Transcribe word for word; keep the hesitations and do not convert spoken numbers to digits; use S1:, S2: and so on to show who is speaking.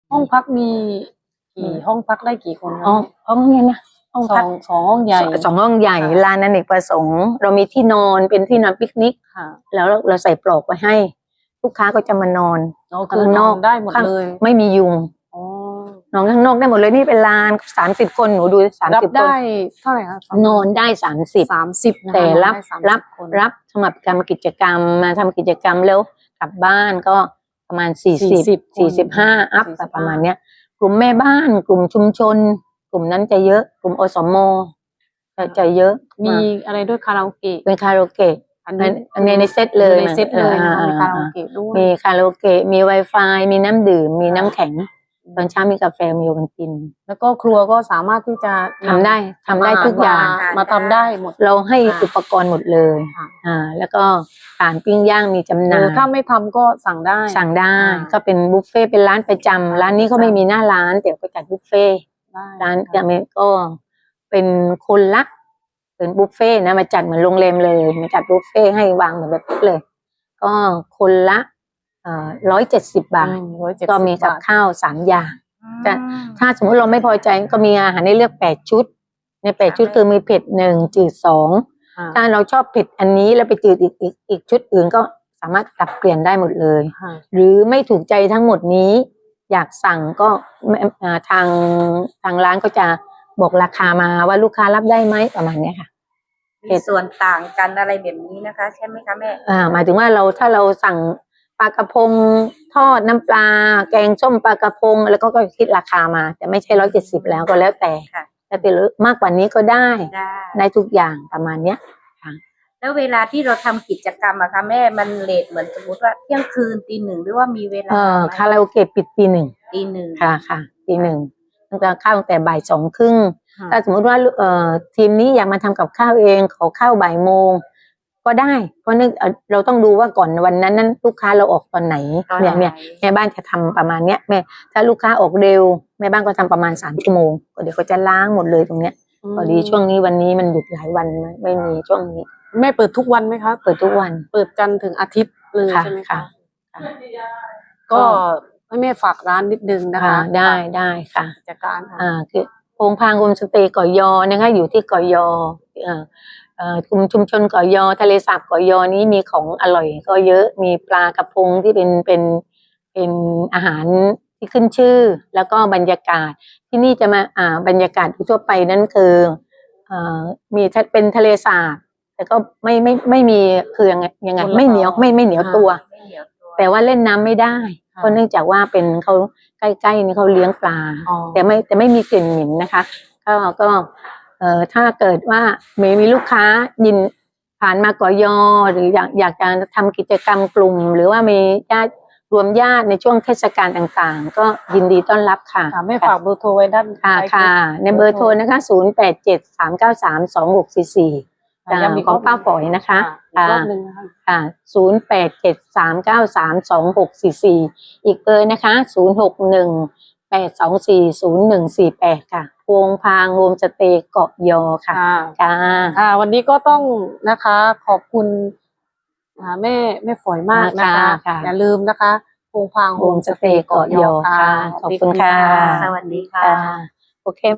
S1: ห้องพักมีกี่ห้องพักได้กี่คน
S2: ห้องห้องเนี่ยนะห้อง
S1: ส
S2: พั
S1: อก งสองห้องใหญ่
S2: สองห้องใหญ่ลานอเนกประสงค์เรามีที่นอนเป็นที่นอนปิกนิก
S1: ค่ะ
S2: แล้วเราใส่ปลอกไว้ให้ลูกค้าก็จะมานอน
S1: ข้างนอกได้หมดเลย
S2: ไม่มียุงนอนข้างนอกได้หมดเลยนี่เป็นลานสามสิบคนหนูดูสามสิบคน
S1: ได้เท่าไหร่คะ
S2: นอนได้สามสิบ
S1: สามสิบ
S2: แต่รับรับรับสำหรับทำกิจกรรมมาทำกิจกรรมแล้วกลับบ้านก็ประมาณสี่สิบสี่สิบห้าอัพประมาณเนี้ยกลุ่มแม่บ้านกลุ่มชุมชนกลุ่มนั้นจะเยอะกลุ่มอสมจะจะเยอะ
S1: มีอะไรด้วยคาราโอเกะ
S2: เป็นคาราโอเกะอันนี้อันนี้ในเซตเลย
S1: ในเซตเลยมีคาราโอเกะด้วย
S2: มีคาราโอเกะมี Wi-Fi มีน้ำดื่มมีน้ำแข็งตอนเช้ามีกาแฟมีโอวัลติน
S1: แล้วก็ครัวก็สามารถที่จะ
S2: ทำได้ทำได้ทุกอย่าง
S1: มาทำได้หมด
S2: เราให้อุปกรณ์หมดเลยอ่าแล้วก็ฐานปิ้งย่างมีจำหน่าย
S1: ถ้าไม่ทำก็สั่งได้
S2: สั่งได้ก็เป็นบุฟเฟ่เป็นร้านประจำร้านนี้ก็ไม่มีหน้าร้านแต่ก็จัดบุฟเฟ่ร้านจะมีก็เป็นคนละเป็นบุฟเฟ่นะมาจัดเหมือนโรงแรมเลยมาจัดบุฟเฟ่ให้วางเหมือนแบบนี้เลยก็คนละร้อยเจ็ดสิบบาทก็มีกับข้าวสามอย่างจะถ้าสมมติเราไม่พอใจก็มีอาหารให้เลือกแปดชุดในแปดชุดคือมีเผ็ดหนึ่งจืดสองถ้าเราชอบเผ็ดอันนี้แล้วไปจืดอีกอีกอีกชุดอื่นก็สามารถปรับเปลี่ยนได้หมดเลยหรือไม่ถูกใจทั้งหมดนี้อยากสั่งก็ทางทางร้านก็จะบอกราคามาว่าลูกค้ารับได้ไหมประมาณนี้ค่ะ
S3: มีส่วนต่างกันอะไรแบบนี้นะคะใช่ไหมคะแม่
S2: อ่าหมายถึงว่าเราถ้าเราสั่งปลากระพงทอดน้ำปลาแกงส้มปลากระพงแล้วก็ก็คิดราคามาแต่ไม่ใช่ร้อยเจ็ดสิบแล้วก็แล้วแต่แล้วแต่มากกว่านี้ก็ได้ได้ทุกอย่างประมาณเนี้ยค่ะ
S3: แล้วเวลาที่เราทำกิจกรรมอะคะแม่มันเลทเหมือนสมมติว่าเที่ยงคืนตีหนึ่งหรือว่ามีเวลา
S2: เออคาราโอเกะปิดตีหนึ่ง
S3: ตีหนึ่ง
S2: ค่ะค่ะตีหนึ่งมันจะเข้าตั้งแต่บ่ายสองครึ่งถ้าสมมติว่าเอ่อทีมนี้อยากมาทำกับข้าวเองขอข้าวบ่ายโมงก็ได้เพราะนึกเราต้องดูว่าก่อนวันนั้นนั้นลูกค้าเราออกตอนไหนเนี่ยเนี่ยแม่บ้านจะทำประมาณเนี้ยแม่ถ้าลูกค้าออกเร็วแม่บ้านก็ทำประมาณสามชั่วโมงเดี๋ยวเขาจะล้างหมดเลยตรงเนี้ยพอดีช่วงนี้วันนี้มันหยุดหลายวันไม่มีช่วงนี้
S1: แม่เปิดทุกวันไหมคะ
S2: เปิดทุกวัน
S1: เปิดจันทร์ถึงอาทิตย์เลยใช่ไหมคะก็ให้แม่ฝากร้านนิดนึงนะคะ
S2: ได้ได้ค่ะ
S1: จัดการ
S2: อ่าคือโพงพางโฮมสเตย์เกาะยอนะคะอยู่ที่เกาะยออ่ากลุ่มชุมชนเกาะยอทะเลสาบเกาะยอนี้มีของอร่อยก็เยอะมีปลากระพงที่เป็นเป็นเป็นอาหารที่ขึ้นชื่อแล้วก็บรรยากาศที่นี่จะมาอ่าบรรยากาศทั่วไปนั่นคืออ่ามีเป็นทะเลสาบแต่ก็ไม่ไม่ไม่มีคือยังไงยังไงไม่เหนียวไม่ไม่เหนียวตัวแต่ว่าเล่นน้ำไม่ได้เพราะเนื่องจากว่าเป็นเขาใกล้ๆนี่เขาเลี้ยงปลาแต่ไม่แต่ไม่มีกลิ่นเหม็นนะคะก็ก็เอ่อถ้าเกิดว่ามีมีลูกค้ายินผ่านมาเกาะยอหรืออยากอยากจะทำกิจกรรมกลุ่มหรือว่ามีญาติรวมญาติในช่วงเทศกาลต่างๆก็ยินดีต้อนรับค่ะ
S1: ไม่ฝากเบอร์โทรไว้ด้าน
S2: ค่ะค่ะในเบอร์โทรนะคะศูนย์แปดเจ็ดสามเก้าสามสองหกสี่สี่ของป้าฝอยนะคะค่ะศูนย์แปดเจ็ดสามเก้าสามสองหกสี่สี่อีกเบอร์นะคะศูนย์หกหนึ่งแปดสองสี่ศูนย์หนึ่งสี่แปดค่ะโพงพางโฮมสเตย์เกาะยอค่ะ
S1: ค่ะค่ะวันนี้ก็ต้องนะคะขอบคุณแม่แม่ฝอยมากนะคะอย่าลืมนะคะโพงพางโฮมสเตย์เกาะยอค่ะ
S2: ขอบคุณค่ะ
S3: สวัสดีค่ะ
S2: โอเค